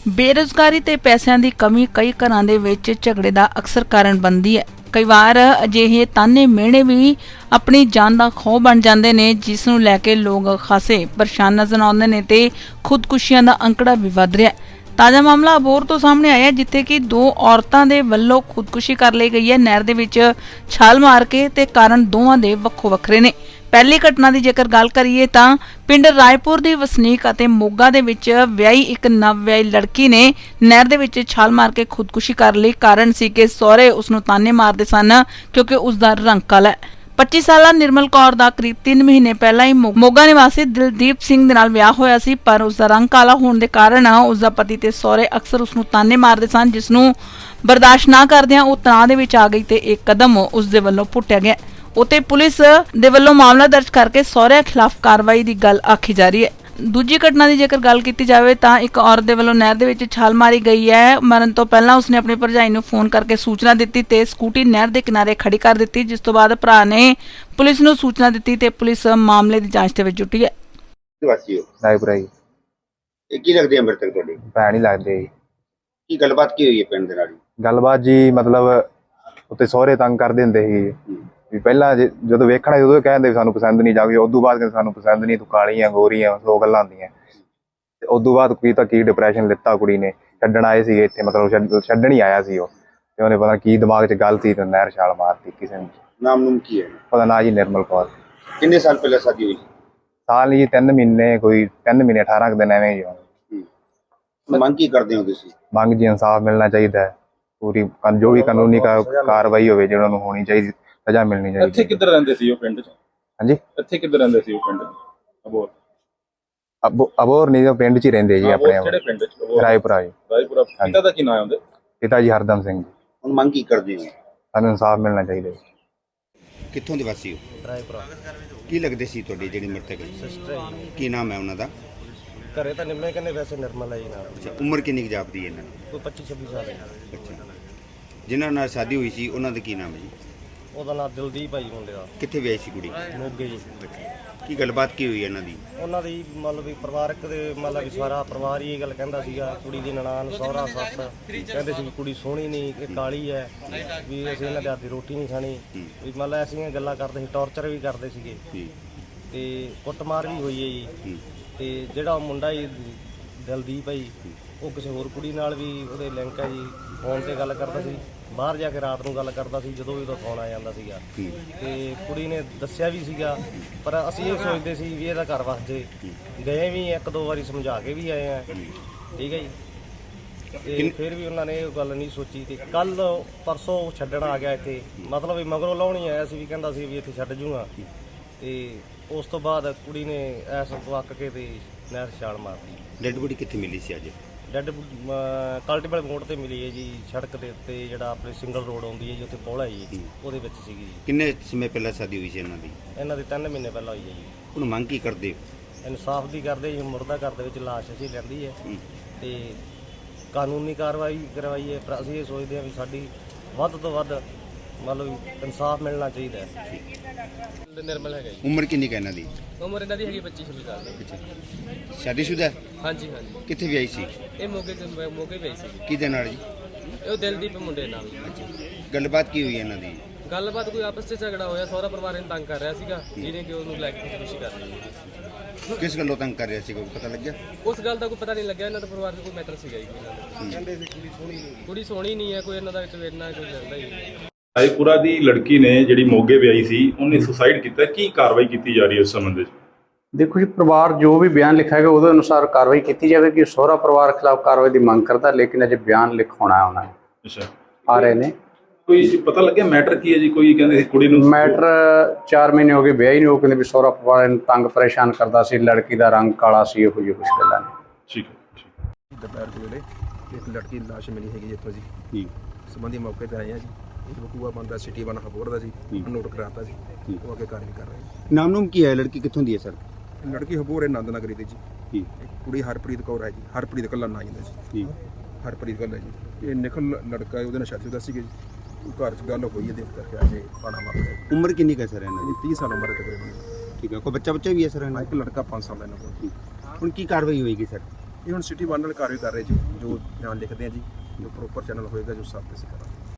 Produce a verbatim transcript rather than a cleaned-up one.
ਬੇਰੁਜ਼ਗਾਰੀ ਤੇ ਪੈਸਿਆਂ ਦੀ ਕਮੀ ਕਈ ਘਰਾਂ ਦੇ ਵਿੱਚ ਝਗੜੇ ਦਾ ਅਕਸਰ ਕਾਰਨ ਬਣਦੀ ਹੈ। ਕਈ ਵਾਰ ਅਜਿਹੇ ਤਾਨੇ ਮਿਹਣੇ ਵੀ ਆਪਣੀ ਜਾਨ ਦਾ ਖੌਅ ਬਣ ਜਾਂਦੇ ਨੇ, ਜਿਸ ਨੂੰ ਲੈ ਕੇ ਲੋਕ ਖਾਸੇ ਪਰੇਸ਼ਾਨ ਨਜ਼ਰ ਆਉਂਦੇ ਨੇ ਤੇ ਖੁਦਕੁਸ਼ੀਆਂ ਦਾ ਅੰਕੜਾ ਵੀ ਵੱਧ ਰਿਹਾ ਹੈ। ਤਾਜ਼ਾ ਮਾਮਲਾ ਅਬੋਹਰ ਤੋਂ ਸਾਹਮਣੇ ਆਇਆ, ਜਿੱਥੇ ਕਿ ਦੋ ਔਰਤਾਂ ਦੇ ਵੱਲੋਂ ਖੁਦਕੁਸ਼ੀ ਕਰ ਲਈ ਗਈ ਹੈ ਨਹਿਰ ਦੇ ਵਿੱਚ ਛਾਲ ਮਾਰ ਕੇ, ਤੇ ਕਾਰਨ ਦੋਵਾਂ ਦੇ ਵੱਖੋ ਵੱਖਰੇ ਨੇ। ਪਹਿਲੀ ਘਟਨਾ ਦੀ ਜੇਕਰ ਗੱਲ ਕਰੀਏ ਤਾਂ ਪਿੰਡ ਰਾਏਪੁਰ ਦੀ ਵਸਨੀਕ ਅਤੇ ਮੋਗਾ ਦੇ ਵਿੱਚ ਵਿਆਹੀ ਇੱਕ ਨਵ ਵਿਆਹੀ ਲੜਕੀ ਨੇ ਨਹਿਰ ਦੇ ਵਿੱਚ ਛਾਲ ਮਾਰ ਕੇ ਖੁਦਕੁਸ਼ੀ ਕਰ ਲਈ। ਕਾਰਨ ਸੀ ਕਿ ਸਹੁਰੇ ਉਸ ਨੂੰ ਤਾਨੇ ਮਾਰਦੇ ਸਨ ਕਿਉਂਕਿ ਉਸ ਦਾ ਰੰਗ ਕਾਲਾ ਹੈ। ਪੱਚੀ ਸਾਲਾ ਨਿਰਮਲ ਕੌਰ ਦਾ ਕਰੀਬ ਤਿੰਨ ਮਹੀਨੇ ਪਹਿਲਾਂ ਹੀ ਮੋਗਾ ਨਿਵਾਸੀ ਦਿਲਦੀਪ ਸਿੰਘ ਦੇ ਨਾਲ ਵਿਆਹ ਹੋਇਆ ਸੀ, ਪਰ ਉਸ ਦਾ ਰੰਗ ਕਾਲਾ ਹੋਣ ਦੇ ਕਾਰਨ ਉਸ ਦਾ ਪਤੀ ਤੇ ਸਹੁਰੇ ਅਕਸਰ ਉਸ ਨੂੰ ਤਾਨੇ ਮਾਰਦੇ ਸਨ, ਜਿਸ ਨੂੰ ਬਰਦਾਸ਼ਤ ਨਾ ਕਰਦਿਆਂ ਉਹ ਤਣਾਅ ਦੇ ਵਿੱਚ ਆ ਗਈ ਤੇ ਇੱਕ ਕਦਮ ਉਸ ਦੇ ਵੱਲੋਂ ਪੁੱਟਿਆ ਗਿਆ। ਉਤੇ ਪੁਲਿਸ ਦੇ ਵੱਲੋਂ ਮਾਮਲਾ ਦਰਜ ਕਰਕੇ ਸਹੁਰਿਆਂ ਖਿਲਾਫ ਕਾਰਵਾਈ ਦੀ ਗੱਲ ਆਖੀ ਜਾ ਰਹੀ ਹੈ। ਦੂਜੀ ਘਟਨਾ ਦੀ ਜੇਕਰ ਗੱਲ ਕੀਤੀ ਜਾਵੇ ਤਾਂ ਇੱਕ ਔਰਤ ਦੇ ਵੱਲੋਂ ਨਹਿਰ ਦੇ ਵਿੱਚ ਛਾਲ ਮਾਰੀ ਗਈ ਹੈ। ਮਰਨ ਤੋਂ ਪਹਿਲਾਂ ਉਸਨੇ ਆਪਣੀ ਭਰਜਾਈ ਨੂੰ ਫੋਨ ਕਰਕੇ ਸੂਚਨਾ ਦਿੱਤੀ ਤੇ ਸਕੂਟੀ ਨਹਿਰ ਦੇ ਕਿਨਾਰੇ ਖੜੀ ਕਰ ਦਿੱਤੀ, ਜਿਸ ਤੋਂ ਬਾਅਦ ਭਰਾ ਨੇ ਪੁਲਿਸ ਨੂੰ ਸੂਚਨਾ ਦਿੱਤੀ ਤੇ ਪੁਲਿਸ ਮਾਮਲੇ ਦੀ ਜਾਂਚ ਦੇ ਵਿੱਚ ਜੁਟੀ ਹੈ। ਵਾਸੀਓ ਰਾਏਪੁਰਾ ਜੀ। ਇਹ ਕੀ ਲੱਗਦੇ ਆ ਮ੍ਰਿਤਕ ਤੁਹਾਡੇ? ਭੈਣ ਹੀ ਲੱਗਦੇ ਜੀ। ਕੀ ਗੱਲਬਾਤ ਕੀ ਹੋਈ ਹੈ ਪਿੰਡ ਦੇ ਨਾਲ? ਗੱਲਬਾਤ ਜੀ ਮਤਲਬ ਉੱਤੇ ਸਹੁਰੇ ਤੰਗ ਕਰਦੇ ਹੁੰਦੇ ਸੀ ਵੀ ਪਹਿਲਾਂ ਜਦੋਂ ਵੇਖਣਾ ਸੀ ਉਦੋਂ ਕਹਿੰਦੇ ਸਾਨੂੰ ਪਸੰਦ ਨਹੀਂ, ਜਾਵੇ ਉਦੋਂ ਬਾਅਦ ਕਹਿੰਦੇ ਸਾਨੂੰ ਪਸੰਦ ਨਹੀਂ, ਤੂੰ ਕਾਲੀ ਆ ਗੋਰੀ ਆ, ਸੌ ਗੱਲਾਂ ਹੁੰਦੀਆਂ। ਤੇ ਉਦੋਂ ਬਾਅਦ ਕੀ ਤਾਂ ਕੀ ਡਿਪਰੈਸ਼ਨ ਲਿੱਤਾ ਕੁੜੀ ਨੇ, ਛੱਡਣ ਆਏ ਸੀਗੇ ਇੱਥੇ, ਮਤਲਬ ਛੱਡਣ ਹੀ ਆਇਆ ਸੀ ਉਹ, ਤੇ ਉਹਨੇ ਪਤਾ ਕੀ ਦਿਮਾਗ 'ਚ ਗੱਲ ਸੀ ਤੇ ਨਹਿਰ ਛਾਲ ਮਾਰਤੀ ਕਿਸੇ ਨੇ। ਨਾਮ ਨੂਮ ਕੀ ਹੈ? ਉਹਦਾ ਨਾਂ ਜੀ ਨਿਰਮਲ ਕੌਰ। ਕਿੰਨੇ ਸਾਲ ਪਹਿਲਾਂ ਸ਼ਾਦੀ ਹੋਈ? ਸਾਲ ਜੀ ਤਿੰਨ ਮਹੀਨੇ ਕੋਈ ਤਿੰਨ ਮਹੀਨੇ ਅਠਾਰਾਂ ਕੁ ਦਿਨ ਐਵੇਂ ਹੀ। ਮੰਗ ਕੀ ਕਰਦੇ ਹੋ ਤੁਸੀਂ? ਮੰਗ ਜੀ ਇਨਸਾਫ ਮਿਲਣਾ ਚਾਹੀਦਾ ਹੈ, ਪੂਰੀ ਜੋ ਵੀ ਕਾਨੂੰਨੀ ਕਾਰਵਾਈ ਹੋਵੇ ਜਿਹੜਾ ਨੂੰ ਹੋਣੀ ਚਾਹੀਦੀ, ਸਜ਼ਾ ਮਿਲਣੀ ਚਾਹੀਦੀ। ਇੱਥੇ ਕਿੱਧਰ ਰਹਿੰਦੇ ਸੀ ਉਹ ਪਿੰਡ 'ਚ? ਹਾਂਜੀ, ਇੱਥੇ ਕਿੱਧਰ ਰਹਿੰਦੇ ਸੀ ਉਹ ਪਿੰਡ 'ਚ? ਅਬੋਹਰ ਅਬੋ ਅਬੋਹਰ ਨਹੀਂ, ਉਹ ਪਿੰਡ 'ਚ ਹੀ ਰਹਿੰਦੇ ਜੀ ਆਪਣੇ। ਕਿਹੜੇ ਪਿੰਡ 'ਚ? ਰਾਏਪੁਰਾ ਜੀ। ਰਾਏਪੁਰਾ। ਪਿਤਾ ਦਾ ਕੀ ਨਾਮ ਹੈ ਉਹਦੇ? ਪਿਤਾ ਜੀ ਹਰਦਮ ਸਿੰਘ ਜੀ। ਹੁਣ ਮੰਗ ਕੀ ਕਰਦੇ ਹੋ? ਸਾਨੂੰ ਇਨਸਾਫ ਮਿਲਣਾ ਚਾਹੀਦਾ ਜੀ। ਕਿੱਥੋਂ ਦੇ ਵਾਸੀ ਹੋ? ਰਾਏਪੁਰਾ। ਕੀ ਲੱਗਦੇ ਸੀ ਤੁਹਾਡੀ ਜਿਹੜੀ ਮ੍ਰਿਤਕ? ਸਿਸਟਰ ਹੈ ਜੀ। ਕੀ ਨਾਮ ਹੈ ਉਹਨਾਂ ਦਾ? ਘਰੇ ਤਾਂ ਨਿੰਮੇ ਕਹਿੰਦੇ, ਵੈਸੇ ਨਿਰਮਲ ਹੈ ਜੀ ਨਾਮ। ਅੱਛਾ, ਉਮਰ ਕਿੰਨੀ ਕੁ ਜਾਪਦੀ ਹੈ ਇਹਨਾਂ ਦੀ? ਕੋਈ ਪੱਚੀ ਛੱਬੀ ਸਾਲ ਹੈ। ਅੱਛਾ, ਜਿਨ੍ਹਾਂ ਨਾਲ ਸ਼ਾਦੀ ਹੋਈ ਸੀ ਉਹਨਾਂ ਦਾ ਕੀ ਨਾਮ ਹੈ ਜੀ? ਉਹਦਾ ਨਾਮ ਦਿਲਦੀਪ ਹੈ ਜੀ ਮੁੰਡੇ ਦਾ। ਕਿੱਥੇ ਵਿਆਹੀ ਸੀ ਕੁੜੀ? ਮੋਗੇ ਜੀ। ਕੀ ਗੱਲਬਾਤ ਕੀ ਹੋਈ ਇਹਨਾਂ ਦੀ? ਉਹਨਾਂ ਦੀ ਮਤਲਬ ਵੀ ਪਰਿਵਾਰਕ ਦੇ ਮਤਲਬ ਵੀ ਸਾਰਾ ਪਰਿਵਾਰ ਹੀ ਇਹ ਗੱਲ ਕਹਿੰਦਾ ਸੀਗਾ, ਕੁੜੀ ਦੀ ਨਨਾਣ ਸਹੁਰਾ ਸੱਸ ਕਹਿੰਦੇ ਸੀ ਵੀ ਕੁੜੀ ਸੋਹਣੀ ਨਹੀਂ, ਇਹ ਕਾਲੀ ਹੈ, ਵੀ ਅਸੀਂ ਇਹਨਾਂ ਦੇ ਹੱਥ ਦੀ ਰੋਟੀ ਨਹੀਂ ਖਾਣੀ, ਵੀ ਮਤਲਬ ਐਸੀਆਂ ਗੱਲਾਂ ਕਰਦੇ ਸੀ, ਟੌਰਚਰ ਵੀ ਕਰਦੇ ਸੀਗੇ ਤੇ ਕੁੱਟਮਾਰ ਵੀ ਹੋਈ ਹੈ ਜੀ। ਤੇ ਜਿਹੜਾ ਮੁੰਡਾ ਜੀ ਦਿਲਦੀਪ ਹੈ ਜੀ, ਉਹ ਕਿਸੇ ਹੋਰ ਕੁੜੀ ਨਾਲ ਵੀ ਉਹਦੇ ਲਿੰਕ ਹੈ ਜੀ, ਫੋਨ ਤੇ ਗੱਲ ਕਰਦਾ ਸੀ, ਬਾਹਰ ਜਾ ਕੇ ਰਾਤ ਨੂੰ ਗੱਲ ਕਰਦਾ ਸੀ ਜਦੋਂ ਵੀ ਉਹਦਾ ਫੋਨ ਆ ਜਾਂਦਾ ਸੀਗਾ। ਤੇ ਕੁੜੀ ਨੇ ਦੱਸਿਆ ਵੀ ਸੀਗਾ, ਪਰ ਅਸੀਂ ਇਹ ਸੋਚਦੇ ਸੀ ਵੀ ਇਹਦਾ ਘਰ ਵਸ ਜੇ। ਗਏ ਵੀ ਇੱਕ ਦੋ ਵਾਰੀ ਸਮਝਾ ਕੇ ਵੀ ਆਏ ਆ, ਠੀਕ ਹੈ ਜੀ, ਤੇ ਫਿਰ ਵੀ ਉਹਨਾਂ ਨੇ ਇਹ ਗੱਲ ਨਹੀਂ ਸੋਚੀ। ਤੇ ਕੱਲ ਪਰਸੋਂ ਛੱਡਣ ਆ ਗਿਆ ਇੱਥੇ, ਮਤਲਬ ਵੀ ਮਗਰੋਂ ਲਾਉਣੀ ਆਇਆ ਸੀ, ਵੀ ਕਹਿੰਦਾ ਸੀ ਵੀ ਇੱਥੇ ਛੱਡ ਜੂਗਾ। ਤੇ ਉਸ ਤੋਂ ਬਾਅਦ ਕੁੜੀ ਨੇ ਐਸ ਵਕ ਕੇ ਤੇ ਨਹਿਰ ਛਾਲ ਮਾਰਤੀ। ਡੈਡ ਬੋਡੀ ਕਿੱਥੇ ਮਿਲੀ ਸੀ ਅੱਜ? ਡੈਡ ਕਲਟੀਵਲ ਮੋੜ ਤੇ ਮਿਲੀ ਹੈ ਜੀ, ਸੜਕ ਦੇ ਉੱਤੇ ਜਿਹੜਾ ਆਪਣੇ ਸਿੰਗਲ ਰੋਡ ਆਉਂਦੀ ਹੈ ਜੀ, ਉੱਥੇ ਪੌੜਾ ਜੀ, ਉਹਦੇ ਵਿੱਚ ਸੀਗੀ ਜੀ। ਕਿੰਨੇ ਸਮੇਂ ਪਹਿਲਾਂ ਸ਼ਾਦੀ ਹੋਈ ਸੀ ਇਹਨਾਂ ਦੀ? ਇਹਨਾਂ ਦੀ ਤਿੰਨ ਮਹੀਨੇ ਪਹਿਲਾਂ ਹੋਈ ਹੈ ਜੀ। ਹੁਣ ਮੰਗ ਕੀ ਕਰਦੇ ਹੋ? ਇਨਸਾਫ ਦੀ ਕਰਦੇ ਜੀ, ਮੁਰਦਾ ਘਰ ਦੇ ਵਿੱਚ ਲਾਸ਼ ਅਸੀਂ ਲੈਂਦੀ ਹੈ ਤੇ ਕਾਨੂੰਨੀ ਕਾਰਵਾਈ ਕਰਵਾਈ ਹੈ, ਪਰ ਅਸੀਂ ਇਹ ਸੋਚਦੇ ਹਾਂ ਵੀ ਸਾਡੀ ਵੱਧ ਤੋਂ ਵੱਧ ਮਤਲਬ ਇਨਸਾਫ ਮਿਲਣਾ ਚਾਹੀਦਾ ਹੈ। ਨਿਰਮਲ ਹੈਗਾ ਜੀ। ਉਮਰ ਕਿੰਨੀ ਕੁ ਇਹਨਾਂ ਦੀ? ਉਮਰ ਇਹਨਾਂ ਦੀ ਹੈਗੀ ਪੱਚੀ ਛੱਬੀ ਸਾਲ ਦੀ। ਸ਼ਾਦੀशुदा ਹੈ? ਹਾਂਜੀ ਹਾਂਜੀ। ਕਿੱਥੇ ਵਿਆਹੀ ਸੀ? ਇਹ ਮੋਗੇ ਤੇ ਮੋਗੇ ਪਈ ਸੀ। ਕਿਹਦੇ ਨਾਲ ਜੀ? ਇਹ ਦਿਲਦੀਪ ਮੁੰਡੇ ਨਾਲ। ਗੱਲਬਾਤ ਕੀ ਹੋਈ ਇਹਨਾਂ ਦੀ? ਗੱਲਬਾਤ ਕੋਈ ਆਪਸ 'ਚ ਝਗੜਾ ਹੋਇਆ, ਸਹੁਰਾ ਪਰਿਵਾਰ ਇਹਨੂੰ ਤੰਗ ਕਰ ਰਿਹਾ ਸੀਗਾ, ਜਿਹਨੇ ਕਿ ਉਹਨੂੰ ਲੈ ਕੇ ਖੁਦਕੁਸ਼ੀ ਕਰ ਲਈ। ਕਿਸ ਗੱਲੋਂ ਤੰਗ ਕਰ ਰਿਹਾ ਸੀ, ਕੋਈ ਪਤਾ ਲੱਗਿਆ? ਉਸ ਗੱਲ ਦਾ ਕੋਈ ਪਤਾ ਨਹੀਂ ਲੱਗਿਆ। ਇਹਨਾਂ ਦਾ ਪਰਿਵਾਰ 'ਚ ਕੋਈ ਮੈਟਰ ਸੀਗਾ ਜੀ ਇਹਨਾਂ ਦਾ। ਕਹਿੰਦੇ ਸੀ ਕੁੜੀ ਸੋਹਣੀ ਨਹੀਂ, ਕੁੜੀ ਸੋਹਣੀ ਨਹੀਂ ਹੈ, ਕੋਈ ਇਹਨਾਂ ਦਾ ਵਿੱਚ ਵੇਰਨਾ ਕੋਈ ਜਾਂਦਾ ਹੀ ਨਹੀਂ। ਰਾਏਪੁਰਾ ਦੀ ਲੜਕੀ ਨੇ ਜਿਹੜੀ ਮੋਗੇ ਵਿਆਹੀ ਸੀ, ਉਹਨੇ ਸੁਸਾਈਡ ਕੀਤਾ। ਕੀ ਕਾਰਵਾਈ ਕੀਤੀ ਜਾ ਰਹੀ ਹੈ ਉਸ ਸੰਬੰਧ ਵਿੱਚ? ਦੇਖੋ ਜੀ, ਪਰਿਵਾਰ ਜੋ ਵੀ ਬਿਆਨ ਲਿਖਾਏਗਾ ਉਹਦੇ ਅਨੁਸਾਰ ਕਾਰਵਾਈ ਕੀਤੀ ਜਾਵੇਗੀ। ਸਹੁਰਾ ਪਰਿਵਾਰ ਖਿਲਾਫ ਕਾਰਵਾਈ ਦੀ ਮੰਗ ਕਰਦਾ, ਲੇਕਿਨ ਅਜੇ ਬਿਆਨ ਲਿਖਾਉਣਾ ਉਹਨਾਂ ਨੇ। ਅੱਛਾ, ਆ ਰਹੇ ਨੇ। ਕੋਈ ਪਤਾ ਲੱਗਿਆ ਮੈਟਰ ਕੀ ਹੈ ਜੀ? ਕੋਈ ਕਹਿੰਦੇ ਸੀ ਕੁੜੀ ਨੂੰ ਮੈਟਰ ਚਾਰ ਮਹੀਨੇ ਹੋ ਗਏ ਵਿਆਹ ਹੀ ਨਹੀਂ, ਉਹ ਕਹਿੰਦੇ ਵੀ ਸਹੁਰਾ ਪਰਿਵਾਰ ਨੂੰ ਤੰਗ ਪਰੇਸ਼ਾਨ ਕਰਦਾ ਸੀ, ਲੜਕੀ ਦਾ ਰੰਗ ਕਾਲਾ ਸੀ, ਇਹੋ ਜਿਹੀ ਕੁਛ ਗੱਲਾਂ ਨੇ। ਠੀਕ ਹੈ, ਠੀਕ। ਦੁਪਹਿਰ ਦੇ ਵੇਲੇ ਇੱਕ ਲੜਕੀ ਦੀ ਲਾਸ਼ ਮਿਲੀ ਹੈਗੀ ਇੱਥੋਂ ਜੀ। ਜੀ ਸੰਬੰਧੀ ਮੌਕੇ ਤੇ ਆਏ ਆ ਜੀ। ਇੱਕ ਬਕੂਆ ਬੰਦਾ ਸਿਟੀ ਬਣਾ ਹਬੋਰ ਦਾ ਸੀ, ਨੋਟ ਕਰਾਤਾ ਸੀ, ਉਹ ਅੱਗੇ ਕਾਰਵਾਈ ਕਰ ਰਹੇ। ਨਾਮ ਨੂਮ ਕੀ ਹੈ? ਲੜਕੀ ਕਿੱਥੋਂ ਦੀ ਹੈ ਸਰ? ਲੜਕੀ ਹਬੋਰ ਹੈ, ਨੰਦ ਨਗਰੀ ਦੀ ਜੀ। ਜੀ। ਕੁੜੀ ਹਰਪ੍ਰੀਤ ਕੌਰ ਹੈ ਜੀ। ਹਰਪ੍ਰੀਤ ਕੱਲਾ ਨਾਂ ਜਾਂਦਾ ਸੀ ਜੀ। ਹਰਪ੍ਰੀਤ ਕੱਲਾ ਜੀ। ਇਹ ਨਿਖਲ ਲੜਕਾ ਹੈ, ਉਹਦੇ ਨਾਲ ਸ਼ਾਦੀ ਦਾ ਸੀਗਾ ਜੀ। ਘਰ 'ਚ ਗੱਲ ਹੋਈ ਹੈ, ਦੇਖ ਕਰਕੇ ਆ ਕੇ ਪਾਣਾ ਮਾਰਿਆ। ਉਮਰ ਕਿੰਨੀ ਕੁ ਹੈ ਸਰ ਇਹਨਾਂ ਦੀ? ਤੀਹ ਸਾਲ ਉਮਰ ਹੈ ਤਕਰੀਬਨ। ਠੀਕ ਹੈ। ਕੋਈ ਬੱਚਾ ਬੱਚਾ ਵੀ ਹੈ ਸਰ ਇਹਨਾਂ ਇੱਕ ਲੜਕਾ ਪੰਜ ਸਾਲ ਦਾ ਇਹਨਾਂ ਕੋਲ। ਹੁਣ ਕੀ ਕਾਰਵਾਈ ਹੋਏਗੀ ਸਰ? ਇਹ ਹੁਣ ਸਿਟੀ ਵਨ ਨਾਲ ਕਾਰਵਾਈ ਕਰ ਰਹੇ ਜੀ, ਜੋ ਬਿਆਨ ਲਿਖਦੇ ਆ ਜੀ, ਜੋ ਪ੍ਰੋਪਰ ਚੈਨਲ ਹੋਏਗਾ ਜੋ ਸਭ ਤੇ ਅਸੀਂ ਕਰਾਂਗੇ।